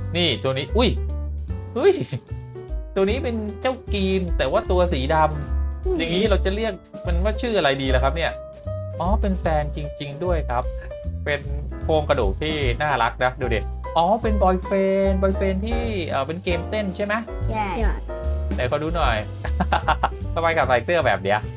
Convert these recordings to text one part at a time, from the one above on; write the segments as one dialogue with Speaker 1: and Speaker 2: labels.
Speaker 1: นี่ตัวนี้อุ้ยเฮ้ยตัวนี้เป็นเจ้ากีนแต่ว่าตัวสีดำอย่างนี้เราจะเรียกมันว่าชื่ออะไรดีล่ะครับเนี่ยอ๋อเป็นแซนจริงๆด้วยครับเป็นโครงกระดูกที่น่ารักนะดูเด็อ๋อเป็นบอยเฟนที่เป็นเกมเต้นใช่ไหม
Speaker 2: ใช่
Speaker 1: ไหนขอดูหน่อย ทำไมกับใส่เสื้อแบบเนี้ย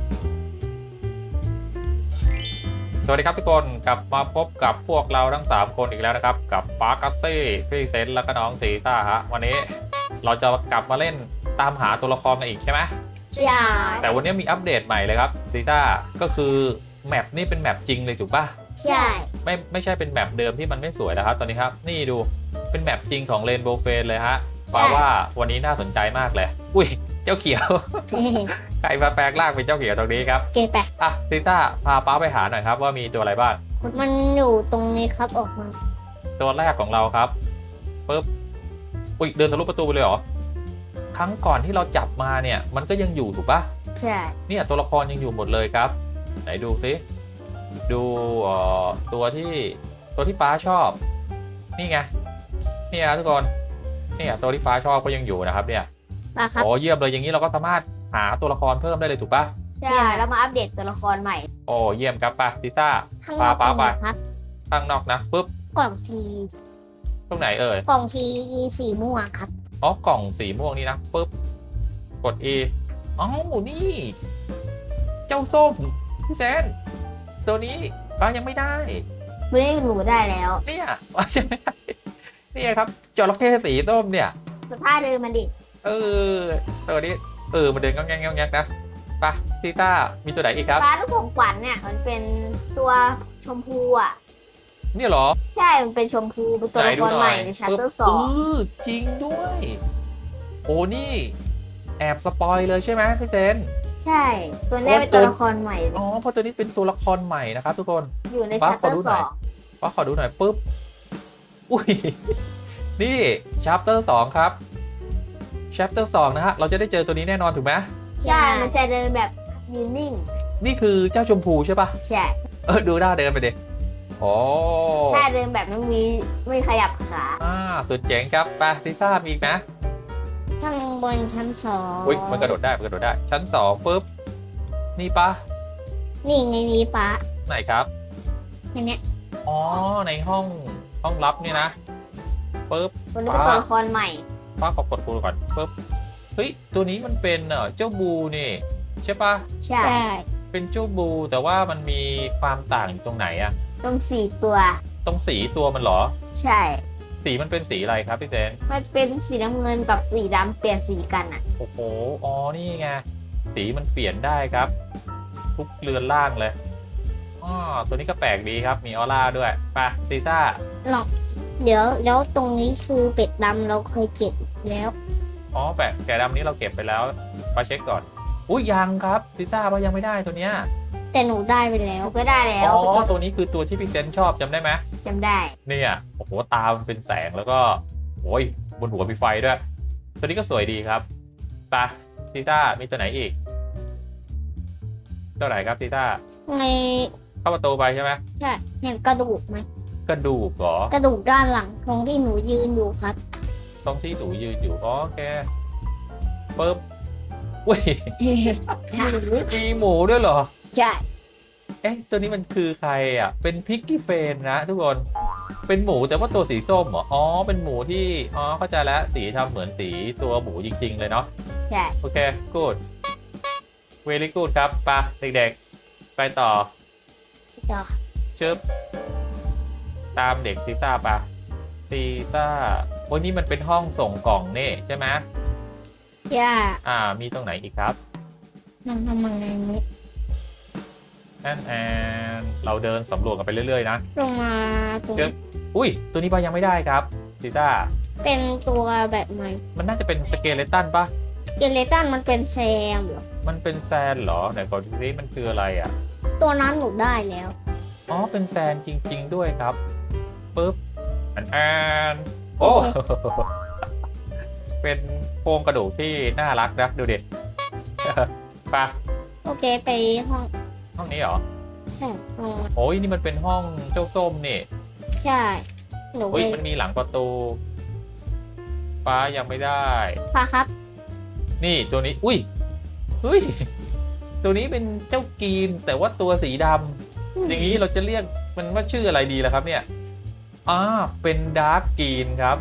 Speaker 1: สวัสดีครับทุกคนกลับมาพบกับพวกเราทั้ง3คนอีกแล้วนะครับกับปาร์กัสซี่พี่เซนแล้วก็น้องซีต้าฮะวันนี้เราจะกลับมาเล่นตามหาตัวละครกันอีกใช่ไหม
Speaker 2: ใช่
Speaker 1: แต่วันนี้มีอัปเดตใหม่เลยครับซีต้าก็คือแมปนี่เป็นแมปจริงเลยถูกป่ะ
Speaker 2: ใช่
Speaker 1: ไม่ใช่เป็นแมปเดิมที่มันไม่สวยแล้วครับตอนนี้ครับนี่ดูเป็นแมปจริงของเรนโบว์เฟนเลยฮะแปลว่าวันนี้น่าสนใจมากเลยอุ้ยเจ้าเขียว ใครมาแปลงร่างเป็นเจ้าเขียวตรงนี้ครับ
Speaker 2: เกไป
Speaker 1: อ่ะซีต้าพาป้าไปหาหน่อยครับว่ามีตัวอะไรบ้าง
Speaker 2: มันอยู่ตรงนี้ครับออกมา
Speaker 1: ตัวแรกของเราครับปึ๊บอุ้ยเดินทะลุประตูไปเลยเหรอครั้งก่อนที่เราจับมาเนี่ยมันก็ยังอยู่ถูกปะ
Speaker 2: ใช่
Speaker 1: เนี่ยตัวละครยังอยู่หมดเลยครับไหนดูสิดูตัวที่ป้าชอบนี่ไงนี่ครับทุกคนเนี่ยตัวที่ป้าชอบก็ยังอยู่นะครับเนี่ย
Speaker 2: มาครับ
Speaker 1: โอ้เยี่ยมเลยอย่างนี้เราก็สามารถหาตัวละครเพิ่มได้เลยถูกปะ
Speaker 2: ใช่แล้วมาอัปเดตตัวละครใหม่
Speaker 1: โอ้เยี่ยมครับป้าซิซ่า
Speaker 2: ข้างนอก
Speaker 1: ปาไป
Speaker 2: ครับ
Speaker 1: ข้างนอกนะปุ๊บ
Speaker 2: กล่องที
Speaker 1: ตรงไหนเอ่ย
Speaker 2: กล่องทีสีม่วงครับ
Speaker 1: อ๋อกล่องสีม่วงนี่นะปุ๊บกด E อ๋อนี่ เจ้าส้มพี่แซนตัวนี้ยังไม่ได้
Speaker 2: ไม่ได้หนูได้แล้ว
Speaker 1: เนี่ยใช่ไหมเนี่ยครับจระเข้สีส้มเนี่ย
Speaker 2: สภาพเดิมมันดิ
Speaker 1: ตัวนี้มันเดินงองแงงงองแงกนะไปซีต้ามีตัวไหนอีกครับ
Speaker 2: ฟ้าลูกของขวัญเนี่ยมันเป็นตัวชมพูอ่ะ
Speaker 1: เนี่ยเหรอ
Speaker 2: ใช่ มันเป็นชมพูเป็นตัวละครใหม่ในชัปเตอร์สอง
Speaker 1: จริงด้วย โอ้นี่แอบสปอยเลยใช่ไหมพี่เซน
Speaker 2: ใช่ ตัวนี้เป็นตัวละครใหม่
Speaker 1: อ๋อเพราะตัวนี้เป็นตัวละครใหม่นะครับทุกคน
Speaker 2: อยู่ใน
Speaker 1: ฟ้า
Speaker 2: ชัป
Speaker 1: ข
Speaker 2: เต
Speaker 1: อ
Speaker 2: อ
Speaker 1: ดู
Speaker 2: ร์
Speaker 1: ห
Speaker 2: ส
Speaker 1: น่
Speaker 2: อ
Speaker 1: อย
Speaker 2: ง
Speaker 1: ว่าขอดูหน่อยปุ๊บอุ้ยนี่ chapter 2ครับ chapter 2นะฮะเราจะได้เจอตัวนี้แน่นอนถูกไหม
Speaker 2: ใช่ มันจะเดินแบบยืนนิ่ง
Speaker 1: นี่คือเจ้าชมพูใช่ปะ
Speaker 2: ใช่
Speaker 1: ดูหน้าเดินไปดิโอ้
Speaker 2: ถ้าเดินแบบไม่ขยับขา
Speaker 1: สุดเจ๋งครับไปลิซ่ามีอีกนะ
Speaker 2: ข้างบนชั้นสอง
Speaker 1: อุ้ยมันกระโดดได้ชั้น2ปุ๊บนี่ปะ
Speaker 2: นี่ในนี้ป้า
Speaker 1: ไหนครับ
Speaker 2: ในเนี้ย
Speaker 1: อ๋อในห้องลับนี่นะปุ๊บ
Speaker 2: ตัวนี้เป็นตัวละครใหม่
Speaker 1: ป้าขอกดปูก่อนปุ๊บเฮ้ยตัวนี้มันเป็นเจ้าบูนี่ใช่ปะ
Speaker 2: ใช่
Speaker 1: เป็นเจ้าบูแต่ว่ามันมีความต่างอยู่ตรงไหนอะ
Speaker 2: ต้องสี่ตัว
Speaker 1: ตรงสีตัวมันเหรอ
Speaker 2: ใช่
Speaker 1: สีมันเป็นสีอะไรครับพี่เจน
Speaker 2: มันเป็นสีน้ำเงินกับสีดำเปลี่ยนสีกันอ่ะ
Speaker 1: โอ้โหอ๋อนี่ไงสีมันเปลี่ยนได้ครับ ทุกเรือนล่างเลยตัวนี้ก็แปลกดีครับมีออร่าด้วยไปซีซ่า
Speaker 2: หรอก เดี๋ยวแล้วตรงนี้คือเป็ดดำเราเคยเก็บแล้ว
Speaker 1: อ๋อแปะแกะดำนี้เราเก็บไปแล้วไปเช็คก่อนอุ้ยยังครับซีซ่าว่ายังไม่ได้ตัวเนี้ย
Speaker 2: แต่หนูได้ไปแล้วก็ได้แล้ว
Speaker 1: อ๋อตัวนี้คือตัวที่พี่เซนชอบจำได้ไหม
Speaker 2: จำได้
Speaker 1: เนี่ยโอ้โหตามันเป็นแสงแล้วก็โอ้ยบนหัวมีไฟด้วย ตัวนี้ก็สวยดีครับไปซีต้ามีตัวไหนอีกตัวไหนครับซีต้า
Speaker 2: ใน
Speaker 1: เข้าประตูไปใช่ไหม
Speaker 2: ใช่เห็นกระดูกไหม
Speaker 1: กระดูกเหรอก
Speaker 2: ระดูกด้านหลังตรงที่หนูยืนอยู่ครับ
Speaker 1: ตรงที่หนูยืนอยู่อ๋อโอเคปึ๊บอุ้ยมีหมูด้วยเหรอ
Speaker 2: ใช่
Speaker 1: เอ๊ะตัวนี้มันคือใครอ่ะเป็นพิกกี้เฟนนะทุกคนเป็นหมูแต่ว่าตัวสีส้มเหรออ๋อเป็นหมูที่เข้าใจแล้วสีทำเหมือนสีตัวหมูจริงๆเลยเนาะ
Speaker 2: ใช่
Speaker 1: โอเค good very good ครับไปเด็กๆ ไปต่อ
Speaker 2: ต่อ
Speaker 1: ชึบตามเด็กซีซ่าปะซีซ่าวันนี้มันเป็นห้องส่งกล่องนี่ใช่ไหม
Speaker 2: ย่า
Speaker 1: มีตรงไหนอีกครับ
Speaker 2: มันทำยังไงนี้
Speaker 1: and เราเดินสำรวจกันไปเรื่อยๆนะ
Speaker 2: ลงมาตรง
Speaker 1: ชึบอุ้ย ตัวนี้ปะยังไม่ได้ครับซีซ่า
Speaker 2: เป็นตัวแบบใหม่
Speaker 1: มันน่าจะเป็นสเกเลตันปะ
Speaker 2: เกเลตันมันเป็นแซมเหรอ
Speaker 1: มันเป็นแซนเหรอไหนก่อนทีนี้มันคืออะไรอ่ะ
Speaker 2: ตัวนั้นหนูได้แล้ว
Speaker 1: อ๋อ เป็นแซนจริงๆด้วยครับปึ๊บand โอ้ เป็นโครงกระดูกที่น่ารักนะดูดิ ไป
Speaker 2: โอเคไปห้อง
Speaker 1: นี้เหรอ
Speaker 2: ใช่ห้อง
Speaker 1: โอ้ยนี่มันเป็นห้องเจ้าส้มนี่
Speaker 2: ใช่หนู
Speaker 1: เฮ้ย
Speaker 2: ไป
Speaker 1: มันมีหลังประตูฟ้ายังไม่ได้
Speaker 2: ฟ้าครับ
Speaker 1: นี่ตัวนี้อุ้ยเฮ้ยตัวนี้เป็นเจ้ากีนแต่ว่าตัวสีดำอย่างนี้เราจะเรียกมันว่าชื่ออะไรดีล่ะครับเนี่ยเป็นดาร์กกีนครับ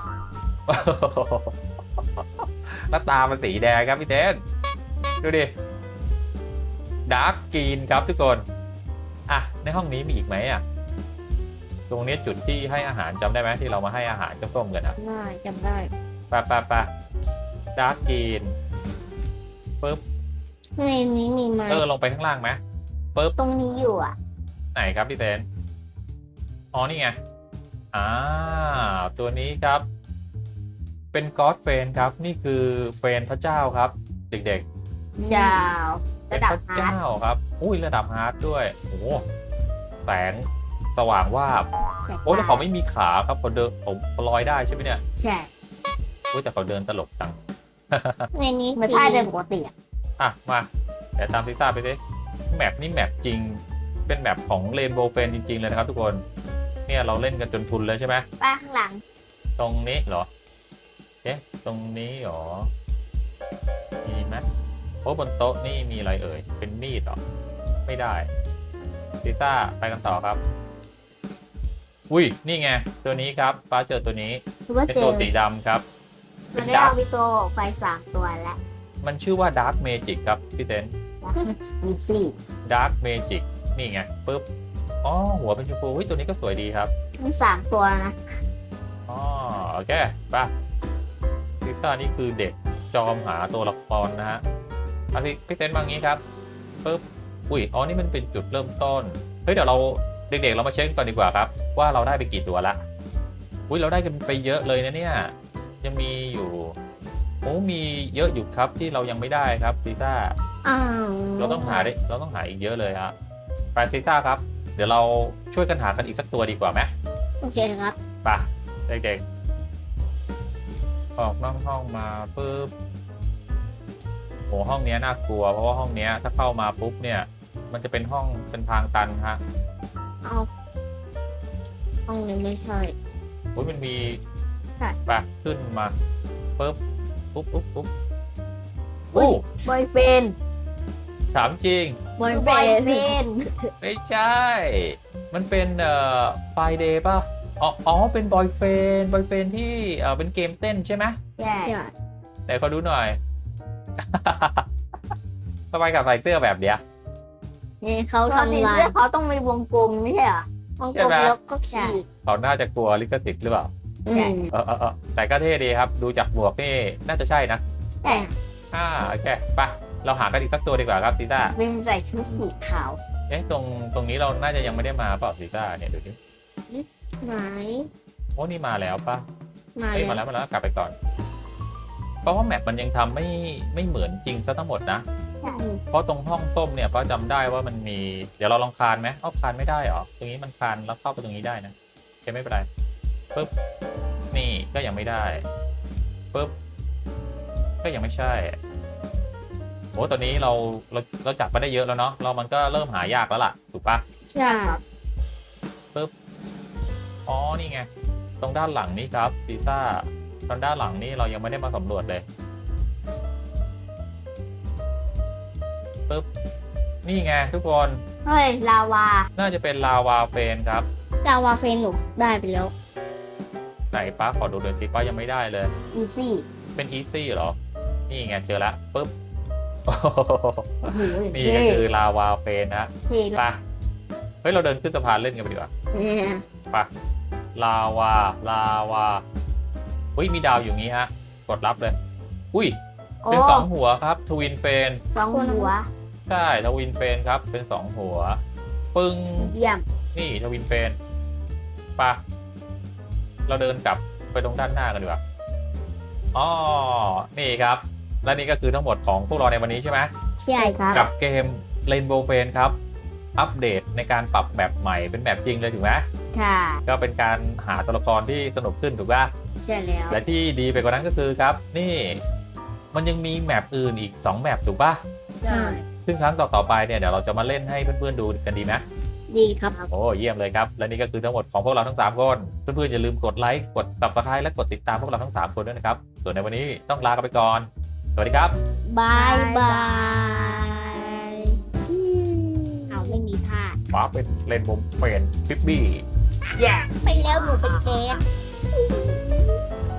Speaker 1: แล้วตามันสีแดงครับพี่เต้นดูดิดาร์กกีนครับทุกคนในห้องนี้มีอีกไหมตรงนี้จุดที่ให้อาหารจำได้ไหมที่เรามาให้อาหารเจ้าส้มกัน
Speaker 2: ได้จำได้
Speaker 1: ไปดาร์กกีนปึ๊บ
Speaker 2: ในนี้มีไหม
Speaker 1: ลงไปข้างล่างไหมปึ๊บ
Speaker 2: ตรงนี้อยู่
Speaker 1: ไหนครับพี่เต้นนี่ไงตัวนี้ครับเป็นก็อดเฟนครับนี่คือเฟนพระเจ้าครับเด็กๆ
Speaker 2: ยาว
Speaker 1: เป็นพระเจ้าครับอุ้ยระดับฮาร์ดด้วยโอ้แสงสว่างวาบแล้วเขาไม่มีขาครับเขาเดินผมลอยได้ใช่ไหมเนี่ย
Speaker 2: ใช่
Speaker 1: แต่เขาเดินตลกจัง
Speaker 2: ในนี้ไม่ใช่เดินปกติ
Speaker 1: มาเดี๋ยวตามซิซ่าไปสิแมปนี่แมปจริงเป็นแมปของเรนโบว์เฟนจริงๆเลยนะครับทุกคนเนี่ยเราเล่นกันจนทุนเลยใช่ไหม
Speaker 2: ป้าข้างหลัง
Speaker 1: ตรงนี้เหรอตรงนี้เหรอมีไหมบนโต๊ะนี่มีอะไรเอ่ยเป็นมีดเหรอไม่ได้ซิซ่าไปกันต่อครับอุ้ยนี่ไงตัวนี้ครับฟ้าเจอตัวนี้เป็นตัวสีดำครับ
Speaker 2: มันได้เอาวิโตไฟ3 ตัวแล้ว
Speaker 1: มันชื่อว่าดาร์กเมจิกครับพี่เต้น
Speaker 2: มีสี่
Speaker 1: ดาร์กเมจิกนี่ไงปึ๊บหัวเป็นชมพูตัวนี้ก็สวยดีครับ
Speaker 2: มี3 ตัวนะ
Speaker 1: โอเคป่ะซิซ่านี่คือเด็กจอมหาตัวละครนะฮะพี่เต้นบางนี้ครับปึ๊บนี่มันเป็นจุดเริ่มต้นเดี๋ยวเราเด็กๆเรามาเช็คก่อนดีกว่าครับว่าเราได้ไปกี่ตัวละเราได้กันไปเยอะเลยนะเนี่ยยังมีอยู่มีเยอะอยู่ครับที่เรายังไม่ได้ครับซิซ่าเราต้องหาอีกเยอะเลยครับไปซิซ่าครับเดี๋ยวเราช่วยกันหากันอีกสักตัวดีกว่าไหม
Speaker 2: โอเคครับ
Speaker 1: ไปเด็กๆออกนอกห้องมาปึ๊บห้องนี้น่ากลัวเพราะว่าห้องนี้ถ้าเข้ามาปุ๊บเนี่ยมันจะเป็นห้องเป็นทางตันฮะ
Speaker 2: ห้องนี้ไม่ใช่
Speaker 1: มันมีไปขึ้นมาปึ๊บปุ๊บ
Speaker 2: บอยเฟน
Speaker 1: ถามจริง
Speaker 2: บอยเฟน
Speaker 1: ไม่ใช่มันเป็นไฟเดย์ป่ะเป็นบอยเฟนที่เป็นเกมเต้นใช่ไหม
Speaker 2: ใช่
Speaker 1: ไหนขอดูหน่อยทำไมกับใส่เสื้อแบบเนี้ย
Speaker 2: เขาทำลายเขาต้องมีวงกลมไม่ใช่เหรอวงกลมแล้วก็ขีด
Speaker 1: เขาน่าจะกลัวลิขสิทธิ์หรือเปล่าแต่ก็เท่ดีครับดูจากหมวกนี่น่าจะใช่นะ
Speaker 2: ใช่
Speaker 1: โอเคไปเราหากันอีกสักตัวดีกว่าครับซิต้า
Speaker 2: เป็นใส่ชุดสีขาว
Speaker 1: ตรงนี้เราน่าจะยังไม่ได้มาเปล่าซิต้าเนี่ยดูดิ
Speaker 2: ไหน
Speaker 1: นี่มาแล้วป่ะ
Speaker 2: มา
Speaker 1: แล้วกลับไปก่อนเพราะว่าแมปมันยังทำไม่เหมือนจริงซะทั้งหมดนะเพราะตรงห้องส้มเนี่ยป้าจำได้ว่ามันมีเดี๋ยวเราลองคานไหมคานไม่ได้หรอตรงนี้มันคานแล้วเข้าไปตรงนี้ได้นะโอเคไม่เป็นไรปึ๊บนี่ก็ยังไม่ได้ปึ๊บก็ยังไม่ใช่ตอนนี้เราจับมาได้เยอะแล้วเนาะมันก็เริ่มหายากแล้วล่ะถูกปะ
Speaker 2: ใช่
Speaker 1: ปึ๊บนี่ไงตรงด้านหลังนี้ครับซิซ่าตรงด้านหลังนี้เรายังไม่ได้มาสำรวจเลยปึ๊บนี่ไงทุกคน
Speaker 2: ลาวา
Speaker 1: น่าจะเป็นลาวาเฟนครับ
Speaker 2: ลาวาเฟนหนูได้ไปแล้ว
Speaker 1: ไหนป้าขอดูเดือนสิป้ายังไม่ได้เลย
Speaker 2: อีซี่
Speaker 1: เป็นอีซี่เหรอนี่ไงเจอละปึ๊บนี่ก็คือลาวาเฟนนะไปเราเดินขึ้นสะพานเล่นกันไปดีกว่าไปลาวามีดาวอยู่งี้ฮะกดรับเลยเป็น2 หัวครับทวินเฟน
Speaker 2: 2 หัว
Speaker 1: ใช่ทวินเฟนครับเป็น2 หัวปึ้ง
Speaker 2: เยี่ยม
Speaker 1: นี่ทวินเฟนปะเราเดินกลับไปตรงด้านหน้ากันดีกว่านี่ครับและนี่ก็คือทั้งหมดของพวกเราในวันนี้ใช่ไหม
Speaker 2: ใช่ครับ
Speaker 1: กับเกม Rainbow Friends ครับอัปเดตในการปรับแบบใหม่เป็นแบบจริงเลยถูกไหม
Speaker 2: ค่ะ
Speaker 1: ก็เป็นการหาตัวละครที่สนุกขึ้นถูกป่ะ
Speaker 2: ใช่แล้ว
Speaker 1: และที่ดีไปกว่านั้นก็คือครับนี่มันยังมีแมปอื่นอีก2 แมปถูกป่ะ
Speaker 2: ใช่
Speaker 1: ซึ่งครั้งต่อไปเนี่ยเดี๋ยวเราจะมาเล่นให้เพื่อนๆดูกันดีไหม
Speaker 2: ดีครับ
Speaker 1: โอ้เยี่ยมเลยครับ และนี่ก็คือทั้งหมดของพวกเราทั้ง 3 คน เพื่อนๆอย่าลืมกดไลค์ กด Subscribe และกดติดตามพวกเราทั้ง 3 คนด้วยนะครับ ส่วนในวันนี้ต้องลากันไปก่อน สวัสดีครับ
Speaker 2: บายบายเอาไม่มีท่า
Speaker 1: ฟ้าเป็นเลนมุมเป็นฟิบบี้
Speaker 2: ไปแล้วหนูเป็นเจน